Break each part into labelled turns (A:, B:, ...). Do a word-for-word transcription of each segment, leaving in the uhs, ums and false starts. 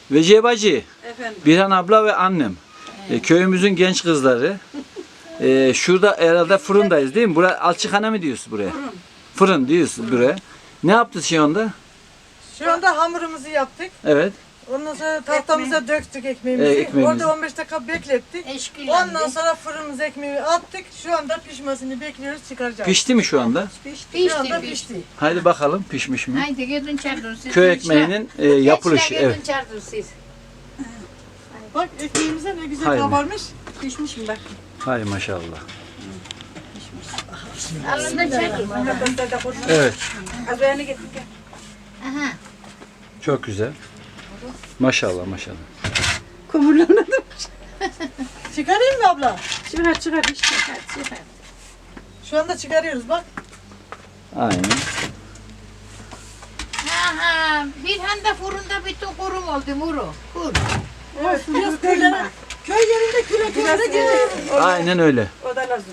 A: Vecihe Bacı,
B: Efendim.
A: Birhan abla ve annem. E, köyümüzün genç kızları. E, şurada herhalde fırındayız değil mi? Buraya alçıkhane mi diyorsun buraya?
B: Fırın.
A: Fırın diyorsun buraya. Ne yaptın şu anda?
C: Şu anda hamurumuzu yaptık.
A: Evet.
C: Ondan sonra tahtamıza döktük ekmeğimizi.
A: E, ekmeğimizi.
C: Orada on beş dakika beklettik. Ondan sonra fırınımıza ekmeği attık. Şu anda pişmesini bekliyoruz, çıkaracağız.
A: Pişti mi şu anda?
C: Pişti, Şu anda pişti.
A: Haydi bakalım pişmiş mi?
D: Haydi gidin çardır siz.
A: Köy ekmeğinin e, yapılışı.
D: Gençler
A: Evet.
D: gidin çardır siz.
C: Bak ekmeğimize ne güzel
A: Haydi.
C: kabarmış.
B: Pişmiş mi bak?
A: Hay maşallah.
D: Alın da çardır.
A: Evet.
B: Az beğeni getir.
D: Aha.
A: Çok güzel. Maşallah maşallah.
B: Kumurlandım.
C: Çıkarayım mı abla?
B: Çıkar çıkar işte.
D: Hadi çıkar.
C: Şu anda çıkarıyoruz bak.
A: Aynen.
D: Aha. Bir handa fırında bütün kurum oldu muru. Kur.
C: Evet, biraz köylere, köy yerinde küre küre gelir.
A: Aynen öyle.
B: O da lazım.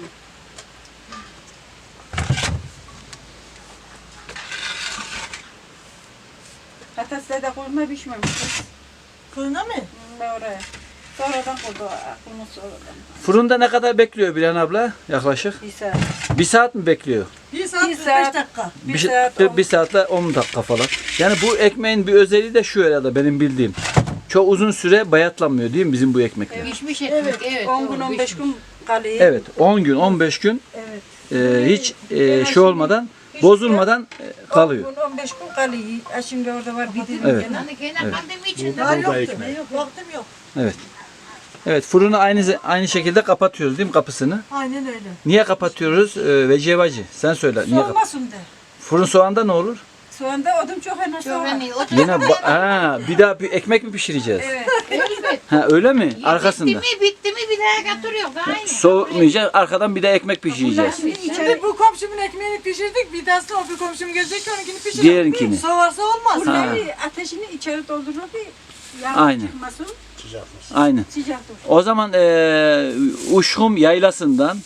B: Hatta size de koyma pişmemiş.
C: Fırına mı?
B: Ben oraya. Sonradan koydu. Aklımı sonradan.
A: Fırında ne kadar bekliyor Birhan abla? Yaklaşık.
B: Bir saat.
A: Bir saat mi bekliyor?
C: Bir saat,
B: Bir
C: beş
B: saat.
C: dakika.
B: Bir,
A: Bir,
B: saat.
A: bir,
B: on-
A: bir saatle on dakika falan. Yani bu ekmeğin bir özelliği de şu herhalde benim bildiğim. Çok uzun süre bayatlanmıyor değil mi bizim bu ekmekler?
D: Pişmiş ekmek. Evet.
B: on gün
D: doğru,
B: on beş
D: pişmiş.
B: gün kalıyor.
A: Evet, on gün on beş gün
C: Evet.
A: e, hiç e, şey olmadan bozulmadan e, kalıyor.
B: on gün on beş gün kalıyor. Ha, şimdi orada var bir dilim.
A: Evet.
B: gene.
D: Yani gene kandemi içinde.
C: Daha yoktu. Yok, vaktim yok.
A: Evet. Evet, fırını aynı aynı şekilde kapatıyoruz değil mi kapısını?
C: Aynen öyle.
A: Niye kapatıyoruz? E, Vecihe Bacı sen söyle. Niye kap-
B: Soğumasın de.
A: Fırın soğanda ne olur?
B: Soğanda odun çok hemen
D: Çok
B: soğar.
D: hani o
A: Yine ba- ha, bir daha bir ekmek mi pişireceğiz?
B: Evet.
D: elbet.
A: Ha öyle mi? Arkasında.
D: Bitti mi bitti mi bir daha götürüyor. Aynı.
A: Soğutmayacağız. Arkadan bir de ekmek pişireceğiz.
B: Şimdi içeri
C: Şimdi bu komşumun ekmeğini pişirdik. Bir daha sonra bir komşum gelecek onunkini pişirelim.
A: Diğerinkini.
C: Soğarsa olmaz.
B: bunları ateşini içeri doldurur ki yanıp
A: Aynen.
B: çıkmasın.
A: Aynen.
B: Sıcak dur.
A: O zaman eee Uşhum Yaylası'ndan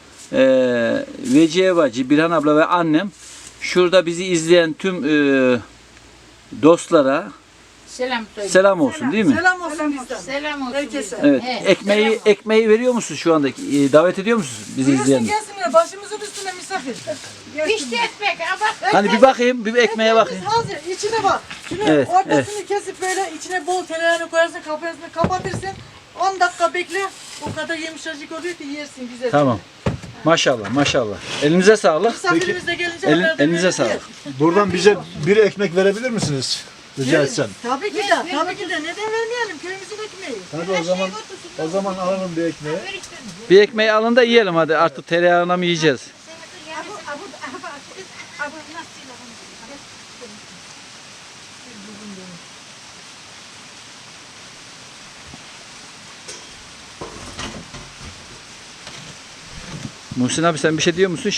A: eee Vecihe Bacı, Birhan abla ve annem şurada bizi izleyen tüm eee, dostlara
D: Selam söyle.
A: selam olsun değil mi?
C: Selam olsun bizden.
D: Selam olsun.
C: Herkese.
D: bizden.
A: Evet.
D: He,
A: Ekmeği
D: selam olsun.
A: ekmeği veriyor musun şu anda? Eee, davet ediyor musunuz bizi
C: Buyursun
A: izleyenler?
C: gelsinler. Başımızın üstüne misafir.
D: Pişti ekmek. Ha bak.
A: Hani bir bakayım, bir ekmeğe bakayım.
C: Ekmeğimiz hazır. İçine bak. Şunu
A: Evet,
C: ortasını kesip böyle içine bol tereyağını koyarsın. Kapağını kapatırsın. on dakika bekle. O kadar yumuşacık oluyor ki yersin güzel.
A: Tamam. Maşallah, maşallah. Elinize sağlık.
C: Misafirimiz de gelince
A: Elin-
C: haber de
A: elinize
C: verir.
A: sağlık.
E: Buradan bize bir ekmek verebilir misiniz? Rica etsem.
C: Tabii ki de. Tabii ki de. Neden vermeyelim? Köyümüzün ekmeği.
E: Hadi o zaman o zaman alalım bir ekmeği.
A: Bir ekmeği alın da yiyelim hadi. Artık tereyağına mı yiyeceğiz? Muhsin abi sen bir şey diyor musun?